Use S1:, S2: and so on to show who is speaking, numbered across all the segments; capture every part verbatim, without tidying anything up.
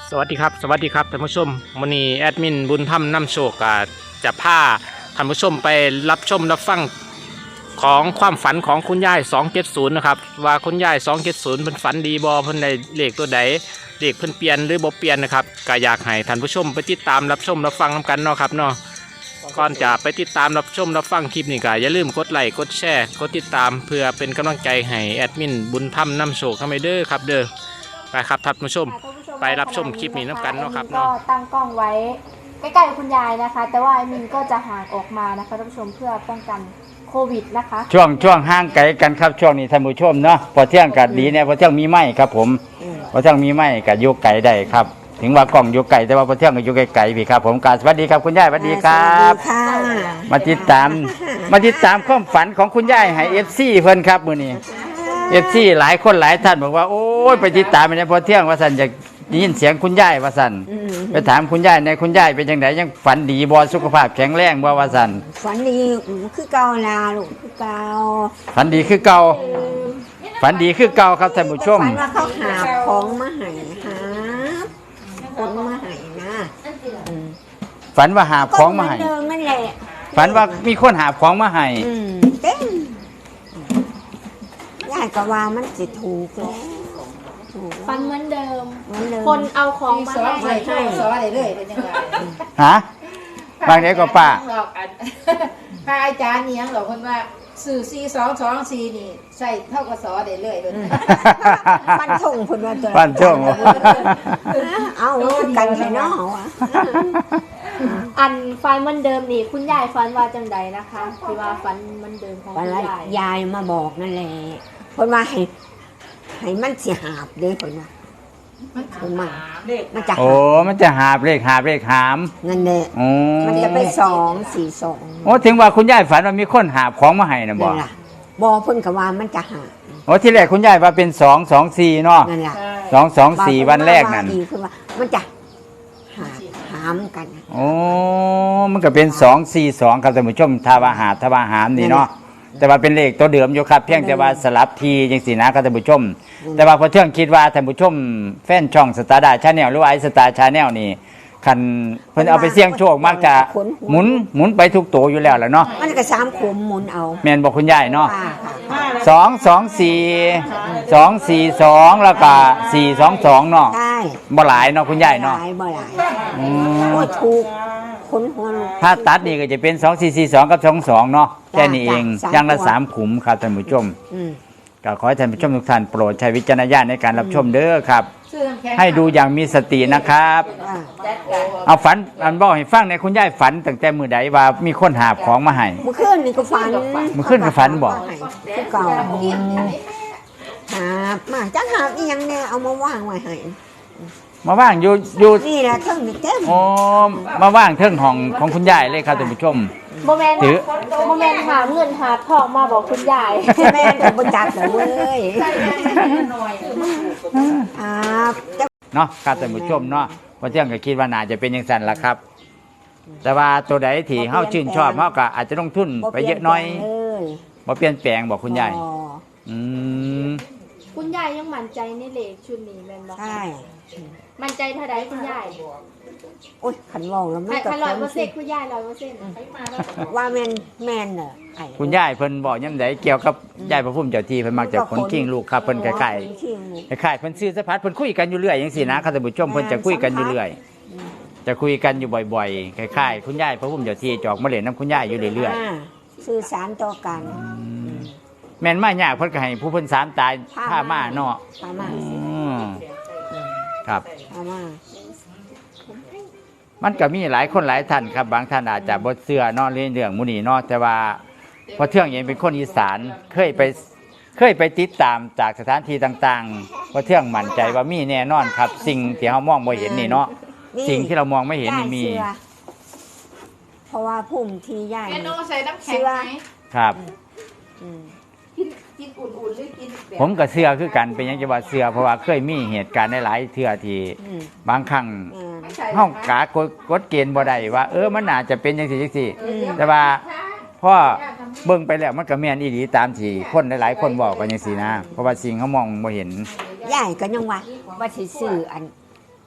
S1: สวัสดีครับสวัสดีครับท่านผู้ชมวันนี้แอดมินบุญธรรมนำโชคจะพาท่านผู้ชมไปรับชมรับฟังของความฝันของคุณยายสองเจ็ดศูนย์นะครับว่าคุณยายสองเจ็ดศูนย์เป็นฝันดีบอเพิ่นได้เลขตัวใดเลขเพิ่นเปลี่ยนหรือบ่เปลี่ยนนะครับก็อยากให้ท่านผู้ชมไปติดตามรับชมรับฟังกันเนาะครับเนาะก่อนจะไปติดตามรับชมรับฟังคลิปนี้ก็อย่าลืมกดไลค์กดแชร์กดติดตามเพื่อเป็นกำลังใจให้แอดมินบุญธรรมนำโชคทำไมเด้อครับเด้อไปครับท่านผู้ชมไปรับชมคลิปนี้น้ำกันเนาะครับเนาะ
S2: ก็ตั้งกล้องไว้ใกล้ๆคุณยายนะคะแต่ว่าไอ้มินก็จะห่างออกมานะคะท่านผู้ชมเพื่อป้องกันโควิดนะคะ
S3: ช่วงช่วงห่างไกลกันครับช่วงนี้ท่านผู้ชมเนาะพอเที่ยงกัดดีเนี่ยพอเที่ยงมีไม้ครับผมพอเที่ยงมีไม้กัดยกไก่ได้ครับถึงว่ากล้องยกไก่แต่ว่าพอเที่ยงก็ยกไก่พี่ครับผมกราบสวัสดีครับคุณยายสวัสดีครับมาติดตามมาติดตามความฝันของคุณยายให้เอฟซีเพิ่นครับมื้อนี้เอฟซีหลายคนหลายท่านบอกว่าโอ้ยไปติดตามไปเนี่ยพอเที่ยงว่าสันจะได้ยินเสียงคุณยายว่าสันไปถามคุณยายในคุณยายเป็นยังไงยังฝันดีบ่สุขภาพแข็งแรงบ่ว่าสัน
S4: ฝันดีคือเก่าลาลูกคือเก่า
S3: ฝันดีคือเก่าฝันดีคือเก่าครับท่านผู้ชม
S4: ฝันว่าเขาหาของมาให้หาคนมาให้นะ
S3: ฝันว่าหาของมาให้
S4: เดิมนั่นแหละ
S3: ฝันว่ามีคนหาของมาให้
S4: เต้นยายก็ว่ามันจะถูกแล้ว
S2: ฟันเหมือนเดิม
S4: ค
S2: คนเอาของมาให้
S5: ให้ซอได้เลยเป็นยังไง
S3: ฮะบางเด็กก็ป้า
S5: พระอาจารย์นี่ยังหรอกคนว่าสื่อสี่สองสองสี่นี่ใส่เท่ากับซอได้เลยเลย
S4: ฟันทงคนว่าตัว
S3: ฟันทง
S4: เอากันใช่เนาะ
S2: อันฟันเหมือนเดิมนี่คุณยายฟันว่าจังใดนะคะที่ว่าฟันเหมือนเดิมของคุณยาย
S4: ยายมาบอกนั่นแหละคนว่าให้ให้มันเสียหาบเด้คนว่ามันมามันจะ
S3: โอ้มันจะหาบเลขหาบเลขหาม
S4: นั่นแหละมันจะไปสองสี่สอง
S3: โอ้ถึงว่าคุณยายฝันว่ามีคนหาบของมาให้นะบอก
S4: บอพ่นกับว่ามันจะหา
S3: โอ้ที่แรกคุณยายว่าเป็นสองสองสี่เนาะ
S4: นั่นแหละ
S3: สองสองสี่วันแรกนั่น
S4: คือว่ามันจะหาหามกัน
S3: โอ้มันก็เป็นสองสี่สองครับท่านผู้ชมทาวาหาทาวาหามนี่เนาะแต่ว่าเป็นเลขตัวเดิมอยู่ครับเพียงแต่ว่าสลับทีจังสีนะครับท่านผู้ชมแต่ว่าพอเที่ยงคิดว่าท่านผู้ชมแฟนช่องสตาร์ดาชาแนลหรือว่าไอสตาร์ชาแนลนี่คันเพิ่นเอาไปเสี่ยงโชคมักจะหมุนหมุนไปทุกตัวอยู่แล้วแหละเนาะ
S4: มันก็สามขุมหมุนเอา
S3: แม่นบอกคุณยายเนาะสองสองสี่สองสี่สองแล้วก็สี่สองสองเนาะ
S4: ใช่
S3: บ่หลายเนาะคุณยายเนาะ
S4: บ่หลายโอ้ถูกคนหัว
S3: ถ้าตัดนี่ก็จะเป็นสองสี่สี่สองกับสองสองเนาะแค่นี้เองอย่างละสามขุมครับท่านผู้ชมก็ขอให้ท่านผู้ชมทุกท่านโปรดใช้วิจารณญาณในการรับชมเด้อครับให้ดูอย่างมีสตินะครับเอาฝันอันบอกให้ฟังในคุณยายฝันตั้งแต่มือใดว่ามีคนหาบของมาให้
S4: เมื่อคืนนี่ก็ฝัน
S3: เมื่อคืนก็ฝันบอก
S4: คือเก่าหาบมาจังหาบอีหยังเนี่ยเอามาว่างไว้ให้
S3: มาว่างอยู่อยู่
S4: นี่แหละเทิงนี่เต็ม
S3: โอ้มาว่างเทิงห้องของคุณยายเลยครับท่านผู้ชม
S2: โมเมนต์โมเมนต์หาเงินหาทองมาบอกคุณยาย
S4: แม่จะบริจาคเลยเว้ย
S3: เนาะครับท่านผู้ชมเนาะพอเที่ยงก็คิดว่าน่าจะเป็นอย่างนั้นล่ะครับแต่ว่าตัวใดที่เฮาชื่นชอบเฮาก็อาจจะลงทุนไปเยอะน้อยบ่เปลี่ยนแปลงบอกคุณยายอืม
S2: คุณยายยังมั่นใจในเลขชุดนี้แม่นบ่
S4: ใช่
S2: มั่นใจเท่าใดคุณยาย
S4: โอ๊ยขันวองแล้วมัน
S2: ก็ร้อยเปอร์เซ็นต์คุณยายร้อยเปอร์เซ็นต์
S4: ว่าแมนแมนเนอะ
S3: คุณยายเพิ่นบอกยังไงเกี่ยวกับยายพระพุ่มเจ้าที่เพิ่นมักจะขนขิงลูกครับเพิ่นคล้ายๆคล้ายๆเพิ่นซื้อสะพัดเพิ่นคุยกันอยู่เรื่อยจังซี่นะครับท่านผู้ชมเพิ่นจะคุยกันอยู่เรื่อยจะคุยกันอยู่บ่อยๆคล้ายๆคุณยายพระพุ่มเจ้าที่จอกมาเล่นน้ำคุณยายอยู่เรื่อย
S4: ๆสื่อสารต่อกัน
S3: แม่นมายากเพิ่นก็ให้ผู้เพิ่นสามตายผ้ามาเนาะ
S4: ผ้ามา
S3: ครับ
S4: ผ้ามา
S3: มันก็มีหลายคนหลายท่านครับบางท่านอาจจะบ่เชื่อเนาะเรื่องเรื่องมุนีเนาะแต่ว่าพอเที่ยงเองเป็นคนอีสานเคยไปเคยไปติดตามจากสถานที่ต่างๆพอเที่ยงมั่นใจว่ามีแน่นอนครับสิ่งที่เรามองไม่เห็นนี่เนาะสิ่งที่เรามองไม่เห็นนี่มี
S4: เพราะว่าพุ่มที่ใหญ่
S5: ใส่น้ำแข็งไหม
S3: ครับ
S5: กินอุ่นๆหรือกิน
S3: ผมกับเสื้อคือกันเป็นยังจะว่าเสื้อเพราะว่าเคยมีเหตุการณ์หลายๆเทื่อที่บางครั้งห้องกากกดเกณฑ์บ่ได้ว่าเออมันน่าจะเป็นจังซี่จังซี่แต่ว่าพ่อเบิ่งไปแล้วมันก็แม่นอีหลีตามที่คนหลายๆคนบอกกันจังซี่นะเพราะว่าสิ่งเขามองบ่เห็น
S4: ใหญ่ก็ยังว่าว่าสิซื้ออัน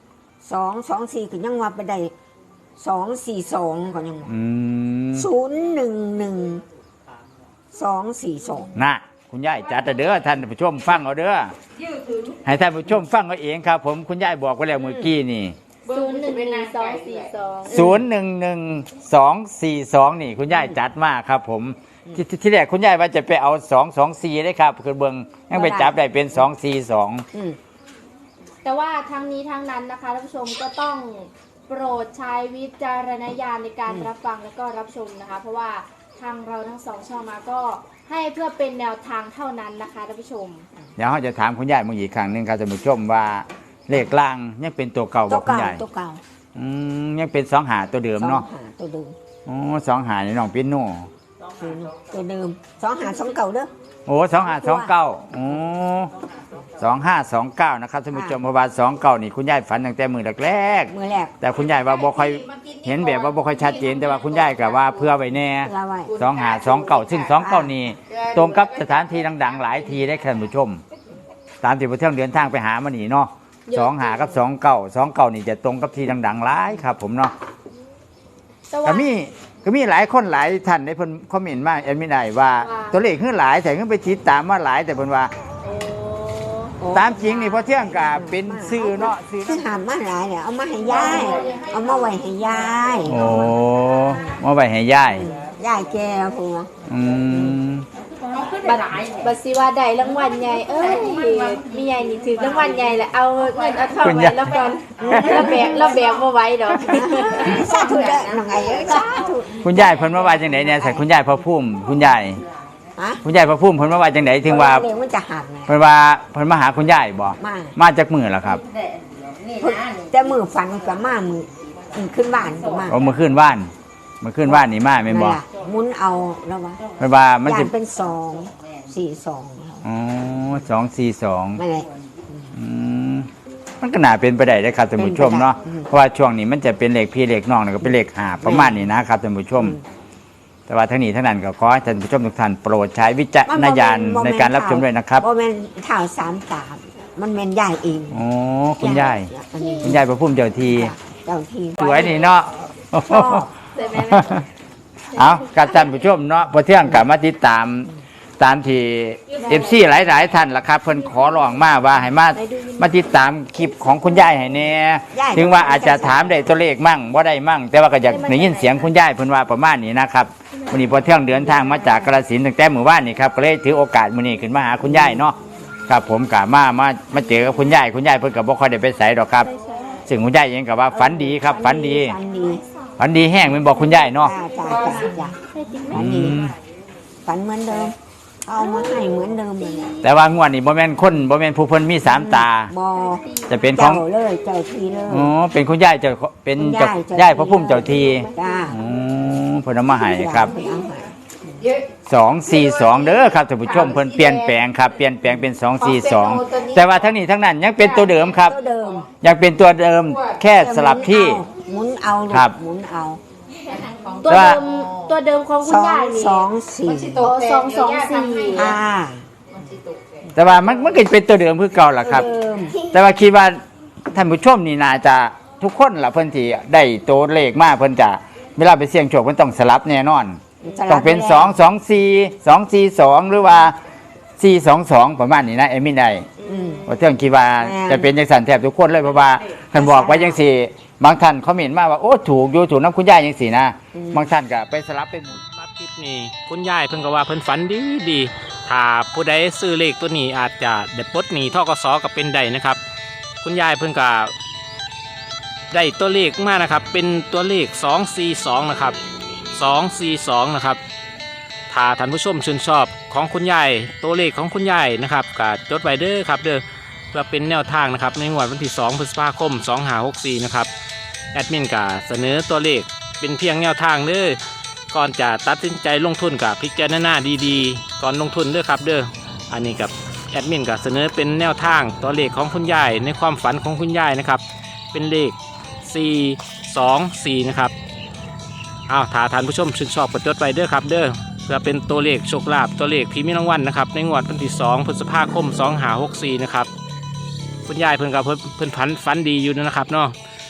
S4: สองสองสี่ก็ยังว่าไปได้สองสี่สองก็ยังว่า
S3: อืม
S4: ศูนย์หนึ่งหนึ่งสองสี่สอง
S3: น่ะคุณยายจัดเด้อท่านผู้ชมฟังเอาเด้อให้ท่านผู้ชมฟังเอาเองครับ ผมคุณยายบอกไว้แล้วเมื่อกี้นี่
S2: ศูนย์หนึ่งหนึ่งสองสี่สอง
S3: ศูนย์หนึ่งหนึ่งสองสี่สองนี่คุณยายจัดมากครับ ผมที่ที่ที่แรกคุณยายว่าจะไปเอาสองสองสี่ได้ครับคือเบิงยังไปจับได้เป็นสองสี่สอง
S4: อืม
S2: แต่ว่าทั้งนี้ทั้งนั้นนะคะท่านผู้ชมก็ต้องโปรดใช้วิจารณญาณในการรับฟังและก็รับชมนะคะ เพราะว่าทางเราทั้งสองช่องมาก็ให้เพื่อเป็นแนวทางเท่านั้นนะคะท่านผู้ชม
S3: เดี๋ยวเราจะถามคุณยายมึงอีกครั้งหนึ่งครับท่านผู้ชมว่าเลขล่างยังเป็นตัวเก่าบ
S4: ตั
S3: อ
S4: ว
S3: กคุณ
S4: เก่าย
S3: าย
S4: ตัวเก่า
S3: อืมยังเป็นสองหาตัวเดิม
S4: สอง
S3: เนาะ
S4: หาตัวเดิม
S3: โอ้สองหาในน้องปิโน่
S4: ตัวเดิมสองหาสองเก่าเด้อ
S3: โอ้สองหาสองเก้าโอ้สองห้าสองเก้านะครับท่านผู้ชมเพราะว่าสองเก้านี่คุณยายฝันตั้งแต่มือแรก
S4: มือแรก
S3: ๆแต่คุณยายว่าบ่ค่อยเห็นแบบว่าบ่ค่อยชัดเจนแต่ว่าคุณยายก็ว่าเพื่อไว้แน่
S4: ลาไว้
S3: สองหาสองเก้าซึ่งสองเก้านี่ตรงกับสถานที่ดังๆหลายทีได้ท่านผู้ชม ตามที่พระเที่ยงเดินทางไปหามานี่เนาะสองหากับสองเก้าสองเก้านี่จะตรงกับที่ดังๆหลายครับ ผมเนาะ
S2: แต่ว่า
S3: ก็มีก็มีหลายคนหลายท่านในเพิ่นคอมเมนต์มาแอดมินได้ว่า
S2: ว่า
S3: ตัวเลขขึ้นหลายแต่ขึ้นไปติดตามมาหลายแต่เพิ่นว่า
S2: โอ้
S3: ตามจริงนี่พอเที่ยงก็เป็นซื้อเนาะซื้อ
S4: คือหามมาหลายเนี่ยเอามาให้ยายเอามาไว้ให้ยาย
S3: โอ้มาไว้ให้ยาย
S4: ยายแก่ผัว
S3: อืม
S2: บัตรบัตรสิว่าได้รางวัลใหญ่เอ้ยมีใหญ่นี่ถือรางวัลใหญ่แหละเอาเงินเอาทองไว้แล้วก่อนแล้วแบกแล้วแบกมาไว้ดอก
S4: สาธุเด้อน้องไอ้เอ้ยสาธุ
S3: คุณยายเพิ่นมาว่าจังไดเนี่ยใส่คุณยายพระพุ่มคุณยาย
S4: ฮะ
S3: คุณยายพระพุ่มเพิ่นมาว่าจังไดถึงว่า
S4: เดี๋ยวมันจะหักไง
S3: เพิ่นว่าเพิ่นมาหาคุณยายบ่
S4: มา
S3: มาจากมื้อล่ะครับ
S4: แต่มือฝันกับมามือมือขึ้นบ้านกับมา
S3: เอามื้อคืนว่านมื้อคืนว่านนี่มาแม่นบ่
S4: นั่นล่ะหมุนเอาแล้ววะ
S3: เพิ่นว่ามัน
S4: ยา
S3: สิ
S4: นเป็นสองสี่สอง
S3: อ๋อสองสี่สอง
S4: ไม่เลย
S3: อืมมันก็น่าเป็นไปได้นะครับท่านผู้ชมเนาะ
S4: เป็นไปได้
S3: เพราะว่าช่วงนี้มันจะเป็นเลขพี่เลขน้องแล้วก็เป็นเลขหาประมาณนี้นะครับท่านผู้ชม แต่ว่าทั้งนี้ทั้งนั้นก็ขอให้ท่านผู้ชมทุกท่านโปรดใช้วิจารณญาณในการรับชมด้วยนะครับ
S4: โมเมนเท่าสามสามมันเมนยายเอง
S3: โอ้คุณยาย
S4: อันนี้
S3: คุณยายพระพุ่มเจ้าที
S4: เจ้าที่
S3: สวยนี่เนาะ
S4: ชอบ
S2: ใช่ไหม
S3: เอาการท่านผู้ชมเนาะพอเที่ยงกับมาติดตามตามที่เอฟซีหลายๆท่านล่ะครับเพิ่นขอร้องมาว่าให้มามาติดตามคลิปของคุณยายให้แน่ถึงว่าอาจจะถามได้ตัวเลขมั่งบ่ได้มั่ง แต่ว่าก็อยากได้ยินเสียงคุณยายเพิ่นว่าประมาณนี้นะครับวันนี้พอเที่ยงเดินทางมาจากกาฬสินธุ์ตั้งแต่มื้อวานนี่ครับก็เลยถือโอกาสมื้อนี้ขึ้นมาหาคุณยายเนาะครับผมกะมามามาเจอกับคุณยายคุณยายเพิ่นก็บ่ค่อยได้ไปไสดอกครับซึ่งคุณยายเองก็ว่าฝันดีครับฝันดี
S4: ฝันดี
S3: ฝันดีแห้งแม่นบอกคุณยายเนาะ
S4: จ้าจ้าจ้าจ้าฝันดีฝันเหมือนเดิมเอามาให้เหมือนเดิมเลย
S3: แต่ว่างวดนี้บ่แม่นคนบ่แม่นผู้เพิ่นมีสามตา
S4: บอ
S3: จะเป็นของ
S4: เจ้าเลยเจ้าทีเลย
S3: อ๋อเป็นคุณยายเจ้าเป็น
S4: คุณ
S3: เจ้า
S4: เจ้
S3: ยายพระพุ่มเจ้าที
S4: จ้า
S3: อ๋อเพิ่นเอามาให้ครับ
S4: เพิ่นเอาให้
S5: เยอะ
S3: สองสี่สองเด้อครับท่านผู้ชมเพิ่นเปลี่ยนแปลงครับเปลี่ยนแปลงเป็นสองสี่สองแต่ว่าทั้งนี้ทั้งนั้นยังเป็นตัวเดิมครับ
S4: ตัวเดิม
S3: ยังเป็นตัวเดิมแค่สลับที่
S4: หมุนเอาลูก
S3: ครับ
S4: หมุนเอา
S2: ตัวเดิมตัวเดิมของคุ
S4: ส
S2: ณ
S4: อง
S2: ยายนี่
S4: สองสี่
S2: โอ้สองสองสี่
S4: อ่า
S3: แต่ว่ามันมันก็เป็นตัวเดิมคือเก่าล่ะครับ
S4: ตัวเดิม
S3: แต่ว่าคิดว่าท่านผู้ชมนี่น่าจะทุกคนล่ะเพิ่นที่ได้ตัวเลขมาเพิ่นจะเวลาไปเสี่ยงโชคเพิ่นต้องสลับแน่นอน
S4: สลับ
S3: ต้องเป็น
S4: แล้ว
S3: สองสองสี่สองสี่สองหรือว่าสี่สองสองประมาณนี้นะเอมินได้
S4: อืม
S3: ว่าเที่ยงคิดว่า
S4: แม่น
S3: จะเป็นจังสันแทบทุกคนเลยเพราะว่าท่านบอกไว้จังสี่ บางท่านเขาเห็นมาว่าโอ้ถูกอยู่ถูกน้ำคุณยายจังสี่นะบางท่านก็ไปสลับไปหมุน
S1: รับคลิปนี้คุณยายเพิ่นก็ว่าเพิ่นฝันดีดีถ้าผู้ใดซื้อเลขตัวนี้อาจจะได้ปลดหนี้ทกสก็เป็นได้นะครับ คุณยายเพิ่นก็ได้ตัวเลขมานะครับ เป็นตัวเลขสองสี่สองนะครับสองสี่สองนะครับถ้าท่านผู้ชมชื่นชอบของคุณยายตัวเลขของคุณยายนะครับก็จดไว้เด้อครับเด้อเพื่อเป็นแนวทางนะครับในงวดวันที่สองพฤษภาคมสองห้าหกสี่นะครับแอดมินก็เสนอตัวเลขเป็นเพียงแนวทางเด้อก่อนจะตัดสินใจลงทุนกับพิจารณาดีๆก่อนลงทุนเด้อครับเด้ออันนี้กับแอดมินก็เสนอเป็นแนวทางตัวเลขของคุณยายในความฝันของคุณยายนะครับเป็นเลขสี่สองสี่นะครับอ้าวถ้าท่านผู้ชมชื่นชอบกดจดไปเด้อครับเด้อเพื่อเป็นตัวเลขโชคลาภตัวเลขพรีเมียมรางวัลนะครับในงวดวันที่สองพฤษภาคมสองห้าหกสี่นะครับคุณยายเพิ่นกับเพิ่นเพิ่นฝันฝันดีอยู่นะครับเนาะ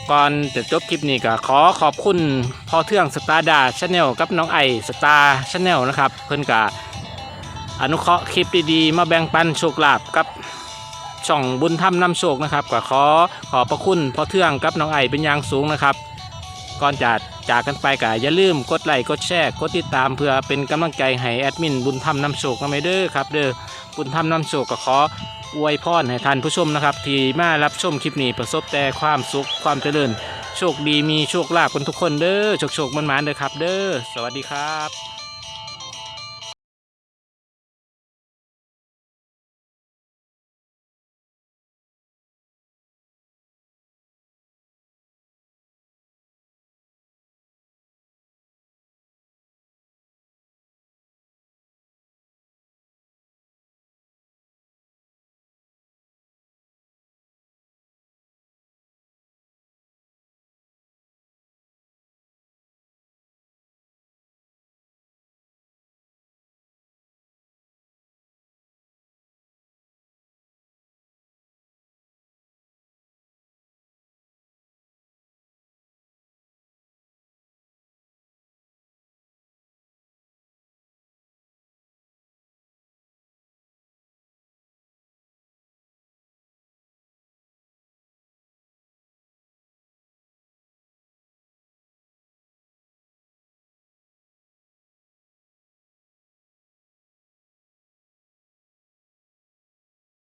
S1: ก่อนจะจบคลิปนี้ก็ขอขอบคุณพ่อเทืองสตาร์ดาชาแนลกับน้องไอสตาร์ชาแนลนะครับเพิ่นกะอนุเคราะห์คลิปดีๆมาแบ่งปันโชคลาภกับช่องบุญธรรมนำโชคนะครับก็ขอขอบพระคุณพ่อเทืองกับน้องไอเป็นอย่างสูงนะครับก่อนจะจากกันไปก็อย่าลืมกดไลค์กดแชร์กดติดตามเพื่อเป็นกำลังใจให้แอดมินบุญธรรมนำโชคกันไปเด้อครับเด้อบุญธรรมนำโชคก็ขออวยพรให้ท่านผู้ชมนะครับที่มารับชมคลิปนี้ประสบแต่ความสุขความเจริญโชคดีมีโชคลาภกันทุกคนเด้อโชคโชคมันๆเด้อครับเด้อสวัสดีครับ